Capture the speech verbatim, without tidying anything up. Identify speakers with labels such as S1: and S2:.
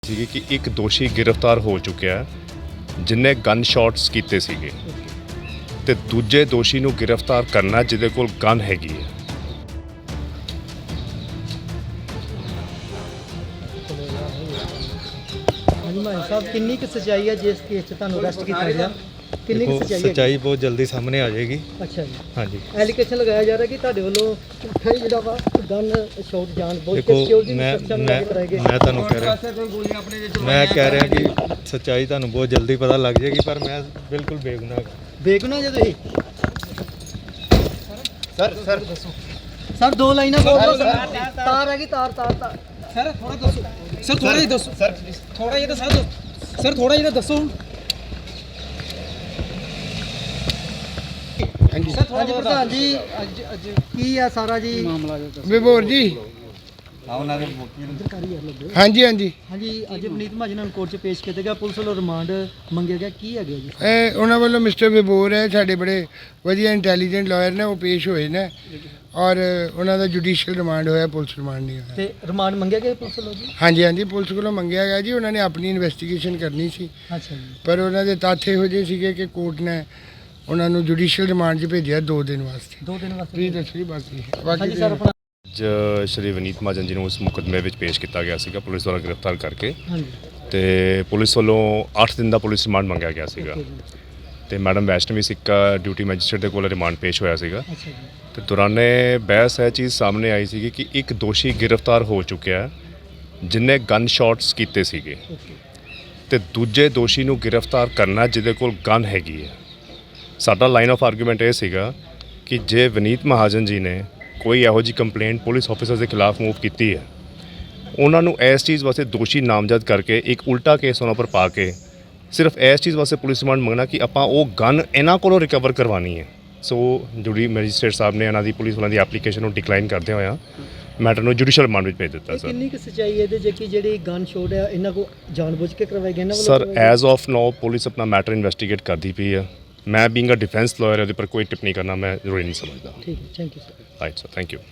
S1: ਸੀਗੀ ਕਿ ਇੱਕ ਦੋਸ਼ੀ ਗ੍ਰਿਫਤਾਰ ਹੋ ਚੁੱਕਿਆ ਹੈ ਜਿਨੇ ਗਨ ਸ਼ਾਟਸ ਕੀਤੇ ਸੀਗੇ ਤੇ ਦੂਜੇ ਦੋਸ਼ੀ ਨੂੰ ਗ੍ਰਿਫਤਾਰ ਕਰਨਾ ਜਿਹਦੇ ਕੋਲ ਗਨ ਹੈਗੀ ਹੈ।
S2: ਹਾਂਜੀ ਮਾਨ ਸਾਹਿਬ ਕਿੰਨੀ ਕੁ ਸਚਾਈ ਹੈ ਜਿਸ ਕੇਸ 'ਚ ਤੁਹਾਨੂੰ ਅਰੈਸਟ ਕੀਤਾ ਗਿਆ? ਕਿੰਨੀ ਕੁ ਸਚਾਈ ਹੈ?
S3: ਸੱਚਾਈ ਬਹੁਤ ਜਲਦੀ ਸਾਹਮਣੇ ਆ ਜਾਏਗੀ।
S2: ਅੱਛਾ ਜੀ,
S3: ਹਾਂਜੀ
S2: ਐਲੀਗੇਸ਼ਨ ਲਗਾਇਆ ਜਾ ਰਿਹਾ ਕਿ ਤੁਹਾਡੇ ਵੱਲੋਂ ਝੂਠਾ ਹੀ ਜਿਹੜਾ ਵਾ ਗਨ ਸ਼ਾਟ ਜਾਣ ਬਹੁਤ
S3: ਦੇਖੋ
S2: ਸਿਕਿਉਰਿਟੀ
S3: ਮੈਂ
S2: ਸੁਰੱਖਿਆ ਨੂੰ
S3: ਮੈਂ
S2: ਲੈ ਕੇ ਕਰਾਏ ਗਏ।
S3: ਮੈਂ ਤੁਹਾਨੂੰ ਕਹਿ ਰਿਹਾ ਮੈਂ ਕਹਿ ਰਿਹਾ ਕਿ ਸੱਚਾਈ ਤੁਹਾਨੂੰ ਬਹੁਤ ਜਲਦੀ ਪਤਾ ਲੱਗ ਜਾਏਗੀ, ਪਰ ਮੈਂ ਬਿਲਕੁਲ ਬੇਗੁਨਾਹ।
S2: ਬੇਗੁਨਾਹ ਜੇ ਤੁਸੀਂ
S4: ਸਰ ਸਰ
S2: ਸਰ ਦੋ ਲਾਈਨਾਂ ਬੋਲ ਦਿਓ। ਤਾਰ ਹੈਗੀ ਤਾਰ ਤਾਰ ਤਾਰ
S5: ਸਰ ਥੋੜਾ ਦੱਸੋ ਸਰ ਥੋੜਾ ਜਿਹਾ ਦੱਸੋ
S4: ਸਰ
S5: ਥੋੜਾ ਜਿਹਾ ਤਾਂ ਸਰ ਸਰ ਥੋੜਾ ਜਿਹਾ ਦੱਸੋ
S4: ਹਾਂਜੀ
S5: ਸਰ ਥੋੜਾ
S2: ਹਾਂਜੀ ਪ੍ਰਧਾਨ ਜੀ ਅੱਜ ਅੱਜ ਕੀ ਆ ਸਾਰਾ ਜੀ
S5: ਮਾਮਲਾ ਜੋ
S6: ਵਿਭੋਰ ਜੀ
S4: ਉਹਨਾਂ ਦੇ ਵਕੀਲ
S6: ਹਾਂਜੀ ਹਾਂਜੀ
S2: ਹਾਂਜੀ ਅੱਜ ਵਨੀਤ ਮਹਾਜਨ ਨੂੰ ਕੋਰਟ 'ਚ ਪੇਸ਼ ਕੀਤਾ ਗਿਆ, ਪੁਲਿਸ ਵੱਲੋਂ ਰਿਮਾਂਡ ਮੰਗਿਆ ਗਿਆ, ਕੀ ਹੈਗਾ ਜੀ?
S6: ਇਹ ਉਹਨਾਂ ਵੱਲੋਂ ਮਿਸਟਰ ਵਿਭੋਰ ਹੈ, ਸਾਡੇ ਬੜੇ ਵਧੀਆ ਇੰਟੈਲੀਜੈਂਟ ਲਾਇਰ ਨੇ, ਉਹ ਪੇਸ਼ ਹੋਏ ਨੇ ਔਰ ਉਹਨਾਂ ਦਾ ਜੁਡੀਸ਼ੀਅਲ ਰਿਮਾਂਡ ਹੋਇਆ, ਪੁਲਿਸ ਰਿਮਾਂਡ ਨਹੀਂ ਹੋਇਆ।
S2: ਤੇ ਰਿਮਾਂਡ ਮੰਗਿਆ ਗਿਆ ਪੁਲਿਸ ਵੱਲੋਂ ਜੀ?
S6: ਹਾਂਜੀ ਹਾਂਜੀ ਪੁਲਿਸ ਕੋਲੋਂ ਮੰਗਿਆ ਗਿਆ ਜੀ, ਉਹਨਾਂ ਨੇ ਆਪਣੀ ਇਨਵੈਸਟੀਗੇਸ਼ਨ ਕਰਨੀ ਸੀ,
S2: ਅੱਛਾ ਜੀ,
S6: ਪਰ ਉਹਨਾਂ ਦੇ ਤੱਥ ਇਹੋ ਜਿਹੇ ਸੀਗੇ ਕਿ ਕੋਰਟ ਨੇ ਉਹਨਾਂ ਨੂੰ ਜੁਡੀਸ਼ੀਅਲ ਰਿਮਾਂਡ 'ਚ ਭੇਜਿਆ ਦੋ ਦਿਨ ਵਾਸਤੇ।
S2: ਦੋ ਦਿਨ ਵਾਸਤੇ।
S6: ਤੁਸੀਂ ਦੱਸੋ ਜੀ ਬਾਕੀ
S2: ਹਾਂਜੀ
S6: ਬਾਕੀ
S2: ਸਰ ਆਪਣਾ
S1: ਅੱਜ ਸ਼੍ਰੀ ਵਨੀਤ ਮਹਾਜਨ ਜੀ ਨੂੰ ਉਸ ਮੁਕੱਦਮੇ ਵਿੱਚ ਪੇਸ਼ ਕੀਤਾ ਗਿਆ ਸੀਗਾ ਪੁਲਿਸ ਦੁਆਰਾ ਗ੍ਰਿਫਤਾਰ ਕਰਕੇ
S2: ਹਾਂਜੀ
S1: ਤੇ ਪੁਲਿਸ ਵੱਲੋਂ ਅੱਠ ਦਿਨ ਦਾ ਪੁਲਿਸ ਰਿਮਾਂਡ ਮੰਗਿਆ ਗਿਆ ਸੀਗਾ
S2: ਓਕੇ ਜੀ,
S1: ਤੇ ਮੈਡਮ ਵੈਸ਼ਨਵੀ ਸਿੱਕਾ ਡਿਊਟੀ ਮੈਜਿਸਟਰੇਟ ਦੇ ਕੋਲ ਰਿਮਾਂਡ ਪੇਸ਼ ਹੋਇਆ ਸੀਗਾ
S2: ਅੱਛਾ ਜੀ,
S1: ਤੇ ਦੌਰਾਨੇ ਬਹਿਸ ਇਹ ਚੀਜ਼ ਸਾਹਮਣੇ ਆਈ ਸੀਗੀ ਕਿ ਇੱਕ ਦੋਸ਼ੀ ਗ੍ਰਿਫਤਾਰ ਹੋ ਚੁੱਕਿਆ ਹੈ ਜਿਨੇ ਗਨ ਸ਼ਾਟਸ ਕੀਤੇ ਸੀਗੇ
S2: ਓਕੇ
S1: ਤੇ ਦੂਜੇ ਦੋਸ਼ੀ ਨੂੰ ਗ੍ਰਿਫਤਾਰ ਕਰਨਾ ਜਿਹਦੇ ਕੋਲ ਗਨ ਹੈਗੀ ਹੈ। ਸਾਡਾ ਲਾਈਨ ਆਫ ਆਰਗੂਮੈਂਟ ਇਹ ਸੀਗਾ ਕਿ ਜੇ ਵਨੀਤ ਮਹਾਜਨ ਜੀ ਨੇ ਕੋਈ ਇਹੋ ਜਿਹੀ ਕੰਪਲੇਂਟ ਪੁਲਿਸ ਆਫੀਸਰ ਦੇ ਖਿਲਾਫ ਮੂਵ ਕੀਤੀ ਹੈ, ਉਹਨਾਂ ਨੂੰ ਇਸ ਚੀਜ਼ ਵਾਸਤੇ ਦੋਸ਼ੀ ਨਾਮਜ਼ਦ ਕਰਕੇ ਇੱਕ ਉਲਟਾ ਕੇਸ ਉਹਨਾਂ ਪਰ ਪਾ ਕੇ ਸਿਰਫ ਇਸ ਚੀਜ਼ ਵਾਸਤੇ ਪੁਲਿਸ ਰਿਮਾਂਡ ਮੰਗਣਾ ਕਿ ਆਪਾਂ ਉਹ ਗਨ ਇਹਨਾਂ ਕੋਲੋਂ ਰਿਕਵਰ ਕਰਵਾਉਣੀ ਹੈ। ਸੋ ਜੁਡੀ ਮੈਜਿਸਟਰੇਟ ਸਾਹਿਬ ਨੇ ਇਹਨਾਂ ਦੀ ਪੁਲਿਸ ਵਾਲਿਆਂ ਦੀ ਐਪਲੀਕੇਸ਼ਨ ਨੂੰ ਡਿਕਲਾਈਨ ਕਰਦੇ ਹੋਇਆ ਮੈਟਰ ਨੂੰ ਜੁਡੀਸ਼ੀਅਲ ਰਿਮਾਂਡ ਵਿੱਚ ਭੇਜ ਦਿੱਤਾ
S2: ਇਹ
S1: ਸਰ।
S2: ਕਿੰਨੀ ਕੁ ਸਚਾਈ ਹੈ ਇਹਦੇ ਜੇ ਕਿ ਜਿਹੜੀ ਗਨ ਸ਼ੋਟ ਹੈ ਇਹਨਾਂ ਕੋ ਜਾਣਬੁੱਝ ਕੇ ਕਰਵਾਈ ਗਈ ਇਹਨਾਂ ਵੱਲੋਂ
S1: ਸਰ
S2: ਕਰਵਾਈ ਗਈ?
S1: ਐਜ਼ ਆਫ ਨਾਓ ਪੁਲਿਸ ਆਪਣਾ ਮੈਟਰ ਇਨਵੈਸਟੀਗੇਟ ਕਰਦੀ ਪਈ ਹੈ। ਮੈਂ ਬੀਇੰਗ ਅ ਡਿਫੈਂਸ ਲਾਇਰ ਉਹਦੇ ਪਰ ਕੋਈ ਟਿੱਪਣੀ ਕਰਨਾ ਮੈਂ ਜ਼ਰੂਰੀ ਨਹੀਂ ਸਮਝਦਾ।
S2: ਠੀਕ ਹੈ, thank you sir.
S1: Right sir, thank you.